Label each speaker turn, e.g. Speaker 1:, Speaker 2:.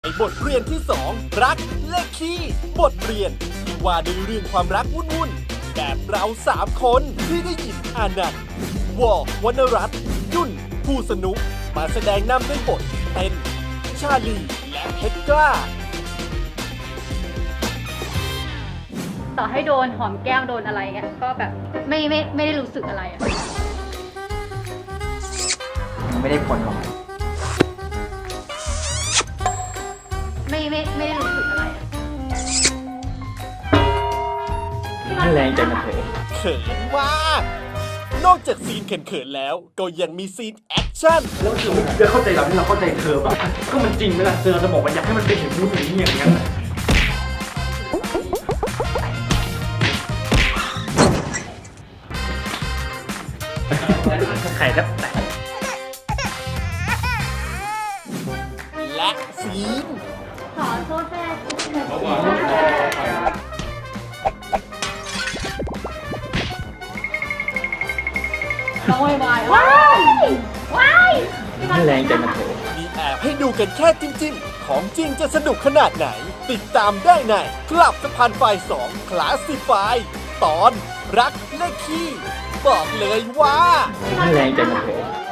Speaker 1: บทเรียนที่ 2 รักเลขคี่บทเรียนที่ว่าด้วยเรื่องความรักวุ่นๆแบบเรา3 คนที่ได้ยินอานันต์วอวรรณรัตน์ยุ่นผู้สนุกมาแสดงนำด้วยบทเป็นชาลีและเพชรกล้า
Speaker 2: ต่อให้โดนหอมแก้มโดนอะไรเงี้ยก็แบบไม่ได้รู้สึกอะไรอะ
Speaker 3: ไม่ได้ผลหรอก
Speaker 2: ไม่ได้รู้สึกอะไรอะ
Speaker 3: มันแรงใจมันเถอะ
Speaker 1: เขินมาก นอกจากซีนเขินๆแล้ว ก็ยังมีซีนแอคชั่น
Speaker 3: แล้วเธอไม่ได้เข้าใจเราที่เราเข้าใจเธอป่ะก็มันจริงไหมล่ะเธอจะบอกว่าอยากให้มันเป็นอย่างนู้นอย่างนี้อย่างนั้นไข่แทบแตก
Speaker 1: และซีน
Speaker 2: ขอโทษแม่น้องวายวาย
Speaker 3: มันแรงใจมันเถอะ
Speaker 1: มีแอบให้ดูกันแค่จิ้มๆ ของจริงจะสนุกขนาดไหน ติดตามได้ในคลับสะพานไฟ2 คลาสสิฟายตอนรักเลขคี่บอกเลยว่า
Speaker 3: มันแรงใจมันเถอะ